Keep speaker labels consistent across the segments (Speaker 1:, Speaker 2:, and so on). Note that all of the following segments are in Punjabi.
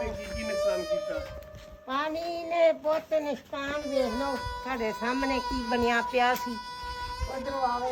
Speaker 1: ਨੇ ਕੀ ਨੁਕਸਾਨ ਕੀਤਾ?
Speaker 2: ਪਾਣੀ ਨੇ ਬਹੁਤ ਨੁਕਸਾਨ ਵੇਖ ਲਓ ਸਾਡੇ ਸਾਹਮਣੇ ਕੀ ਬਣਿਆ ਪਿਆ ਸੀ। ਉਧਰੋਂ ਆਵੇ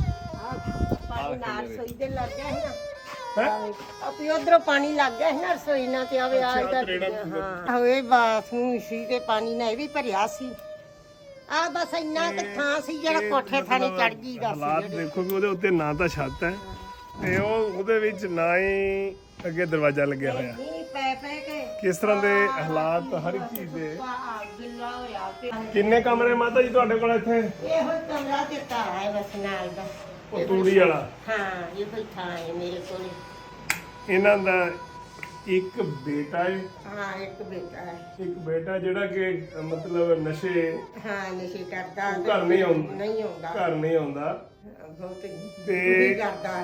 Speaker 2: ਪਾਣੀ ਨਾਲ ਰਸੋਈ ਦੇ ਲੱਗ ਗਿਆ ਸੀ ਨਾ ਆਪੀ ਉਧਰੋਂ ਪਾਣੀ ਲੱਗ ਗਿਆ ਸੀ ਨਾ ਰਸੋਈ ਨਾਲ ਤੇ ਆਵੇ ਆ ਹਾਂ ਹੋਏ ਬਾਥਰੂਮ ਸੀ ਤੇ ਪਾਣੀ ਨਾਲ ਇਹ ਵੀ ਭਰਿਆ ਸੀ। ਆ ਬਸ ਇੰਨਾ ਕੁ ਥਾਂ ਸੀ ਜਿਹੜਾ ਕੋਠੇ ਥਾਣੇ ਚੜ ਗਈ ਦਾ
Speaker 1: ਹਾਲਾਤ ਦੇਖੋ ਕਿ ਉਹਦੇ ਉੱਤੇ ਨਾ ਤਾਂ ਛੱਤ ਹੈ ਤੇ ਉਹਦੇ ਵਿੱਚ ਨਾ ਹੀ ਅੱਗੇ ਦਰਵਾਜ਼ਾ ਲੱਗਿਆ ਹੋਇਆ।
Speaker 2: ਨਹੀਂ ਪੈ ਕੇ
Speaker 1: ਕਿਸ ਤਰ੍ਹਾਂ ਦੇ ਹਾਲਾਤ ਹਰ ਇੱਕ ਚੀਜ਼ ਦੇ।
Speaker 2: ਗਿੱਲਾ ਹੋਇਆ ਪਿਆ।
Speaker 1: ਕਿੰਨੇ ਕਮਰੇ ਮਾਤਾ ਜੀ ਤੁਹਾਡੇ ਕੋਲ ਇੱਥੇ?
Speaker 2: ਇਹੋ ਕਮਰਾ ਦਿੱਤਾ ਹੈ ਬਸ ਨਾਲ ਦਾ।
Speaker 1: ਉਹ ਤੂੜੀ ਵਾਲਾ?
Speaker 2: ਹਾਂ ਇਹ ਕੋਈ ਥਾਂ ਹੈ ਮੇਰੇ ਕੋਲ।
Speaker 1: ਇਹਨਾਂ ਦਾ ਇੱਕ ਬੇਟਾ ਹੈ?
Speaker 2: ਹਾਂ ਇੱਕ ਬੇਟਾ ਹੈ।
Speaker 1: ਇੱਕ ਬੇਟਾ ਜਿਹੜਾ ਕਿ ਮਤਲਬ ਨਸ਼ੇ
Speaker 2: ਹਾਂ ਨਸ਼ੇ ਕਰਦਾ
Speaker 1: ਘਰ ਨਹੀਂ ਆਉਂਦਾ?
Speaker 2: ਨਹੀਂ ਆਉਂਦਾ
Speaker 1: ਘਰ ਨਹੀਂ ਆਉਂਦਾ
Speaker 2: ਬਹੁਤ
Speaker 1: ਤੇ
Speaker 2: ਕਰਦਾ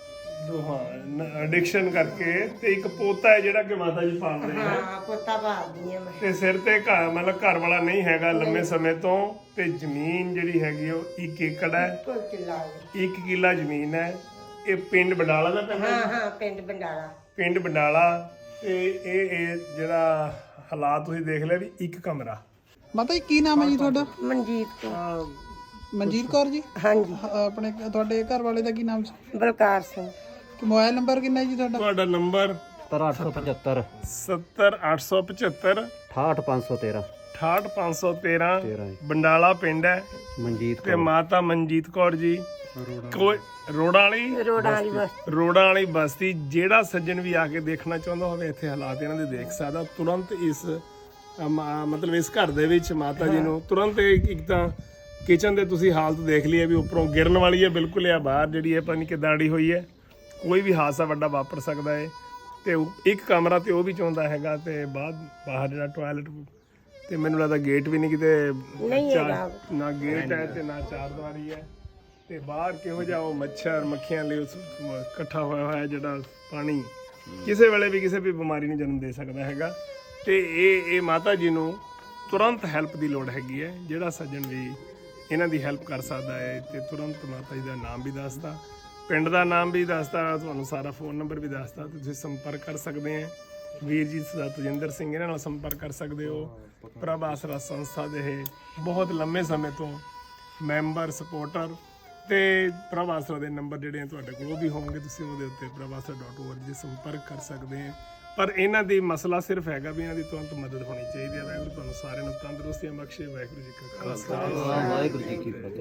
Speaker 1: ਹਾਂ ਐਡਿਕਸ਼ਨ ਕਰਕੇ। ਤੇ ਇੱਕ ਪੋਤਾ ਹੈ ਜਿਹੜਾ ਕਿ ਮਾਤਾ ਜੀ ਪਾਲ ਰਹੇ ਹੈ।
Speaker 2: ਹਾਂ ਪੋਤਾ ਭਾਲਦੀ ਆ ਮੈਂ।
Speaker 1: ਤੇ ਸਿਰ ਤੇ ਘਰ ਮਤਲਬ ਘਰ ਵਾਲਾ ਨਹੀਂ ਹੈਗਾ ਲੰਮੇ ਸਮੇਂ ਤੋਂ। ਤੇ ਜ਼ਮੀਨ ਜਿਹੜੀ ਹੈਗੀ ਉਹ 1 ਏਕੜ ਹੈ।
Speaker 2: ਕੋਈ ਕਿੱਲਾ ਹੈ।
Speaker 1: 1 ਕਿੱਲਾ ਜ਼ਮੀਨ ਹੈ। ਇਹ ਪਿੰਡ ਬੰਡਾਲਾ ਦਾ ਪੈਂਦਾ?
Speaker 2: ਹਾਂ ਹਾਂ ਪਿੰਡ ਬੰਡਾਲਾ।
Speaker 1: ਪਿੰਡ ਬੰਡਾਲਾ। ਤੇ ਇਹ ਜਿਹੜਾ ਹਾਲਾਤ ਤੁਸੀਂ ਦੇਖ ਲਿਆ ਵੀ ਇੱਕ ਕਮਰਾ।
Speaker 3: ਮਾਤਾ ਜੀ ਕੀ ਨਾਮ ਹੈ ਜੀ ਤੁਹਾਡਾ?
Speaker 2: ਮਨਜੀਤ ਕੌਰ।
Speaker 3: ਮਨਜੀਤ ਕੌਰ ਜੀ।
Speaker 2: ਹਾਂਜੀ।
Speaker 3: ਆਪਣੇ ਤੁਹਾਡੇ ਘਰ ਵਾਲੇ ਦਾ ਕੀ ਨਾਮ ਸੀ?
Speaker 2: ਬਲਕਾਰ ਸਿੰਘ।
Speaker 3: ਤੇ ਮੋਬਾਈਲ ਨੰਬਰ ਕਿੰਨਾ ਜੀ ਤੁਹਾਡਾ?
Speaker 1: ਤੁਹਾਡਾ ਨੰਬਰ
Speaker 4: 875
Speaker 1: 70875
Speaker 4: 68513
Speaker 1: 68513 ਬੰਡਾਲਾ ਪਿੰਡ ਹੈ
Speaker 4: ਮਨਜੀਤ
Speaker 1: ਤੇ ਮਾਤਾ ਮਨਜੀਤ ਕੌਰ ਜੀ। ਕੋਈ ਰੋੜਾਂ ਵਾਲੀ ਬਸਤੀ। ਜਿਹੜਾ ਸੱਜਣ ਵੀ ਆ ਕੇ ਦੇਖਣਾ ਚਾਹੁੰਦਾ ਹੋਵੇ ਇੱਥੇ ਹਾਲਾਤ ਇਹਨਾਂ ਦੇ ਦੇਖ ਸਕਦਾ। ਤੁਰੰਤ ਇਸ ਮਤਲਬ ਇਸ ਘਰ ਦੇ ਵਿੱਚ ਮਾਤਾ ਜੀ ਨੂੰ ਤੁਰੰਤ ਇੱਕ ਤਾਂ ਕਿਚਨ ਦੇ ਤੁਸੀਂ ਹਾਲਤ ਦੇਖ ਲਈ ਹੈ ਵੀ ਉੱਪਰੋਂ ਗਿਰਨ ਵਾਲੀ ਹੈ ਬਿਲਕੁਲ। ਆ ਬਾਹਰ ਜਿਹੜੀ ਹੈ ਪਤਾ ਨਹੀਂ ਕਿੱਦਾਂ ਅੜੀ ਹੋਈ ਹੈ। ਕੋਈ ਵੀ ਹਾਦਸਾ ਵੱਡਾ ਵਾਪਰ ਸਕਦਾ ਹੈ। ਤੇ ਇੱਕ ਕਮਰਾ ਤੇ ਉਹ ਵੀ ਚਾਹੁੰਦਾ ਹੈਗਾ ਤੇ ਬਾਹਰ ਜਿਹੜਾ ਟਾਇਲਟ ਤੇ ਮੈਨੂੰ ਲੱਗਦਾ ਗੇਟ ਵੀ ਨਹੀਂ ਕਿਤੇ ਨਾ ਗੇਟ ਹੈ ਤੇ ਨਾ ਚਾਰਦੀਵਾਰੀ ਹੈ। ਤੇ ਬਾਹਰ ਕਿਹੋ ਜਿਹਾ ਉਹ ਮੱਛਰ ਮੱਖੀਆਂ ਲਈ ਇਕੱਠਾ ਹੋਇਆ ਜਿਹੜਾ ਪਾਣੀ ਕਿਸੇ ਵੇਲੇ ਵੀ ਕਿਸੇ ਵੀ ਬਿਮਾਰੀ ਨੂੰ ਜਨਮ ਦੇ ਸਕਦਾ ਹੈਗਾ। ਤੇ ਇਹ ਮਾਤਾ ਜੀ ਨੂੰ ਤੁਰੰਤ ਹੈਲਪ ਦੀ ਲੋੜ ਹੈਗੀ ਹੈ। ਜਿਹੜਾ ਸੱਜਣ ਵੀ ਇਹਨਾਂ ਦੀ ਹੈਲਪ ਕਰ ਸਕਦਾ ਹੈ ਤੇ ਤੁਰੰਤ ਮਾਤਾ ਜੀ ਦਾ ਨਾਮ ਵੀ ਦੱਸਦਾ, ਪਿੰਡ ਦਾ ਨਾਮ ਵੀ ਦੱਸਦਾ, ਤੁਹਾਨੂੰ ਸਾਰਾ ਫੋਨ ਨੰਬਰ ਵੀ ਦੱਸਦਾ। ਤੁਸੀਂ ਸੰਪਰਕ ਕਰ ਸਕਦੇ ਆ ਵੀਰ ਜੀ ਤਜਿੰਦਰ ਸਿੰਘ ਇਹਨਾਂ ਨਾਲ ਸੰਪਰਕ ਕਰ ਸਕਦੇ ਹੋ। ਪ੍ਰਭ ਆਸਰਾ ਸੰਸਥਾ ਦੇ ਇਹ ਬਹੁਤ ਲੰਮੇ ਸਮੇਂ ਤੋਂ ਮੈਂਬਰ ਸਪੋਰਟਰ। ਤੇ ਪ੍ਰਭ ਆਸਰਾ ਦੇ ਨੰਬਰ ਜਿਹੜੇ ਆ ਤੁਹਾਡੇ ਕੋਲ ਉਹ ਵੀ ਹੋਣਗੇ। ਤੁਸੀਂ ਉਹਦੇ ਉੱਤੇ prabhasra.org ਤੇ ਸੰਪਰਕ ਕਰ ਸਕਦੇ ਆ। ਪਰ ਇਹਨਾਂ ਦੀ ਮਸਲਾ ਸਿਰਫ ਹੈਗਾ ਵੀ ਇਹਨਾਂ ਦੀ ਤੁਰੰਤ ਮਦਦ ਹੋਣੀ ਚਾਹੀਦੀ ਹੈ। ਵਾਹਿਗੁਰੂ ਤੁਹਾਨੂੰ ਸਾਰਿਆਂ ਨੂੰ ਤੰਦਰੁਸਤੀਆਂ ਬਖਸ਼ੇ। ਵਾਹਿਗੁਰੂ ਜੀ ਕਾ ਖਾਲਸਾ
Speaker 4: ਵਾਹਿਗੁਰੂ ਜੀ ਕੀ ਫਤਿਹ।